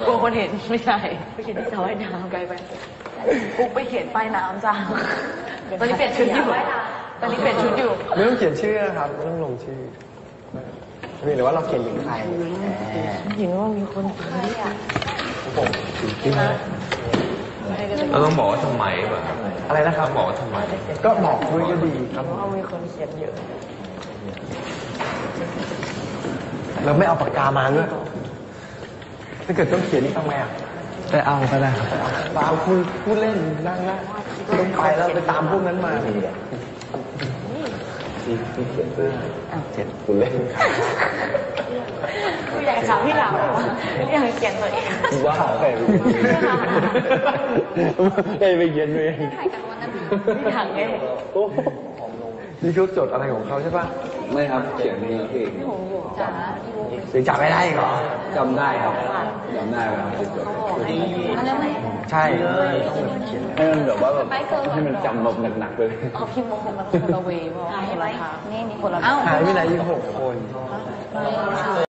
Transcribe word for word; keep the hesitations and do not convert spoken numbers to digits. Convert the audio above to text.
กลัวคนเห็นไม่ใช่ไปเขียนที่สระว่ายน้ำไกลไปปุ๊กไปเขียนป้ายน้ำจ้าตอนนี้เปลี่ยนชุดอยู่ตอนนี้เปลี่ยนชุดอยู่ไม่ต้องเขียนชื่อนะครับไม่ต้องลงชื่อหรือว่าเราเขียนถึงใครเห็นว่ามีคนตายอ่ะผมถึงที่เราต้องบอกว่าทำไมป่ะอะไรนะครับบอกว่าทำไมก็บอกด้วยก็ดีครับว่ามีคนเขียนเยอะเราไม่เอาปากกามาด้วยถ้าเกิดต้องเขียนนี่ทำไงอ่ะไปเอาก็ได้ครับเปล่าคุณพูดเล่นนั่งนะต้องไปแล้วไปตามพวกนั้นมาที่ที่เขียนเพื่อเจ็ดคุณเล่นอยากถามพี่หลังอยากเขียนตัวเองว้าวไปไปไปเขียนตัวเองพี่ถังไงนี่เขาจดอะไรของเขาใช่ป่ะไม่ครับเขียนนี่พี่พี่หงอยู่จ๋าหรือจับไม่ได้เหรอจำได้ครับจำได้ครับจดใช่ให้มันแบบว่าแบบให้มันจำแบบหนักๆเลยเขาพิมพ์มงคลมันคนละเวย์เพราะคนละทางนี่นี่คนละหายไปไหนอีกหกคน